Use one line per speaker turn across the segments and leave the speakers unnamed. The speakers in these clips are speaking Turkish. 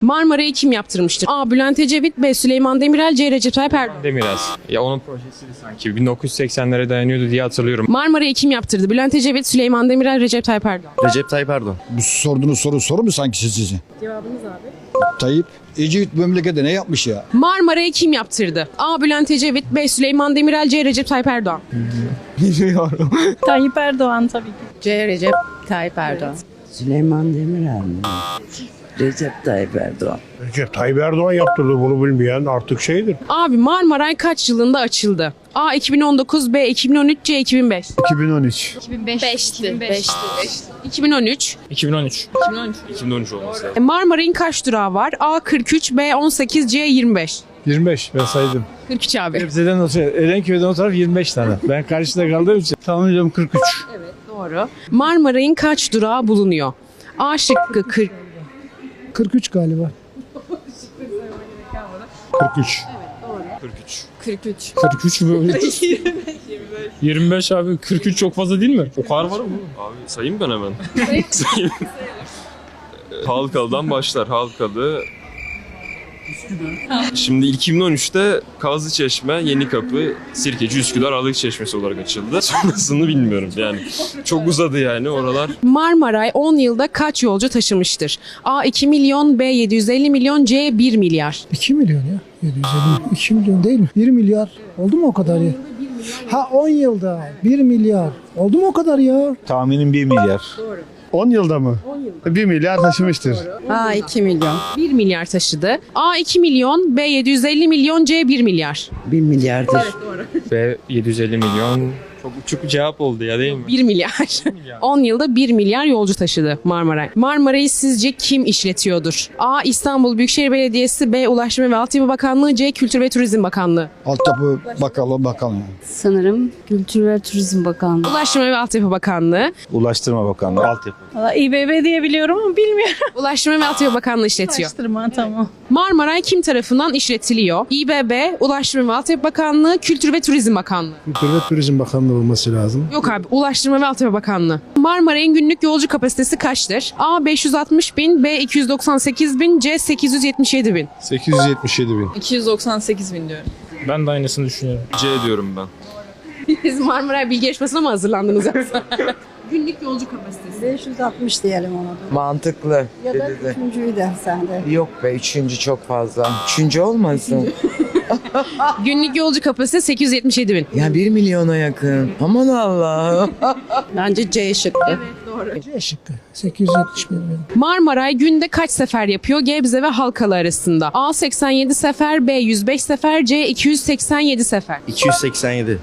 Marmara'yı kim yaptırmıştır? A. Bülent Ecevit, B. Süleyman Demirel, C. Recep Tayyip Erdoğan.
Demirel. Ya onun projesiydi sanki. 1980'lere dayanıyordu diye hatırlıyorum.
Marmara'yı kim yaptırdı? Bülent Ecevit, Süleyman Demirel, Recep Tayyip Erdoğan.
Recep Tayyip Erdoğan.
Bu sorduğunuz soru mu sanki size?
Cevabınız abi.
Tayyip Ecevit memlekete ne yapmış ya?
Marmara'yı kim yaptırdı? A. Bülent Ecevit, B. Süleyman Demirel, C. Recep Tayyip Erdoğan.
Bilmiyorum.
Tayyip Erdoğan tabii ki.
C. Recep Tayyip Erdoğan.
Süleyman Demirel mi? Recep Tayyip Erdoğan.
Recep Tayyip Erdoğan yaptırdı, bunu bilmeyen artık şeydir.
Abi Marmaray kaç yılında açıldı? A. 2019, B. 2013, C. 2005.
2013.
2013.
2013. 2013 olması lazım.
Marmaray'ın kaç durağı var? A. 43, B. 18, C. 25.
25 ben saydım.
43 abi.
Gebze'den o taraf, Erenköy'den o taraf 25 tane. Ben karşıda kaldığım için tahmin ediyorum 43.
Doğru. Marmaray'ın kaç durağı bulunuyor? A şıkkı
43 galiba.
43.
43.
43 mü? 25 abi 43 çok fazla değil mi?
O kadar var mı? Abi sayayım ben hemen. Sayayım. Halkalı'dan başlar. Halkalı. Şimdi 2013'te Kazlıçeşme, Yenikapı, Sirkeci, Üsküdar, Alık Çeşmesi olarak açıldı. Sonrasını bilmiyorum yani. Çok uzadı yani oralar.
Marmaray 10 yılda kaç yolcu taşımıştır? A 2 milyon, B 750 milyon, C 1 milyar.
2 milyon ya. 750. 2 milyon değil mi? 1 milyar. Oldu mu o kadar ya? Ha 10 yılda 1 milyar. Oldu mu o kadar ya?
Tahminim 1 milyar.
10 yılda mı? 10 yılda. 1 milyar taşımıştır.
Ha 2 milyon.
1 milyar taşıdı. A 2 milyon, B 750 milyon, C 1 milyar.
1 milyardır.
Ve 750 milyon. Çok uçuk bir cevap oldu ya değil mi?
1 milyar. 10 yılda 1 milyar yolcu taşıdı Marmaray. Marmaray'ı sizce kim işletiyordur? A. İstanbul Büyükşehir Belediyesi, B. Ulaştırma ve Altyapı Bakanlığı, C. Kültür ve Turizm Bakanlığı.
Altyapı bakanlığı.
Sanırım Kültür ve Turizm Bakanlığı.
Ulaştırma ve Altyapı Bakanlığı.
Ulaştırma Bakanlığı. Altyapı.
Valla İBB diye biliyorum ama bilmiyorum.
Ulaştırma ve Altyapı Bakanlığı işletiyor.
Araştırma tamam.
Marmaray kim tarafından işletiliyor? İBB, Ulaştırma ve Altyapı Bakanlığı, Kültür ve Turizm Bakanlığı.
Kültür ve Turizm Bakanlığı olması lazım.
Yok abi, Ulaştırma ve Altyapı Bakanlığı. Marmaray'ın günlük yolcu kapasitesi kaçtır? A 560 bin, B 298 bin, C 877 bin.
877 bin.
298 bin diyorum.
Ben de aynısını düşünüyorum.
C diyorum ben.
Siz Marmaray bilgi yarışmasına mı hazırlandınız yoksa? Günlük yolcu kapasitesi.
560 diyelim ona da.
Mantıklı.
Ya da üçüncüyü de sende.
Yok be, üçüncü çok fazla. Üçüncü olmasın.
Günlük yolcu kapasitesi 877 bin.
Ya 1 milyona yakın. Aman Allah'ım.
Bence C şıkkı.
C şıkkı. 870 milyon.
Marmaray günde kaç sefer yapıyor Gebze ve Halkalı arasında? A 87 sefer, B 105 sefer, C 287 sefer.
287.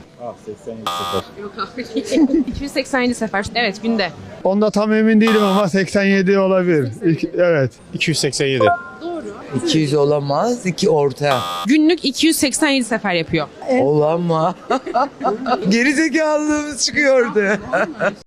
287 sefer. Evet, günde.
Onda tam emin değilim ama 87 olabilir. Evet.
287.
200 olamaz. 2 orta.
Günlük 287 sefer yapıyor.
Olamaz. Gerizekalılığımız çıkıyordu.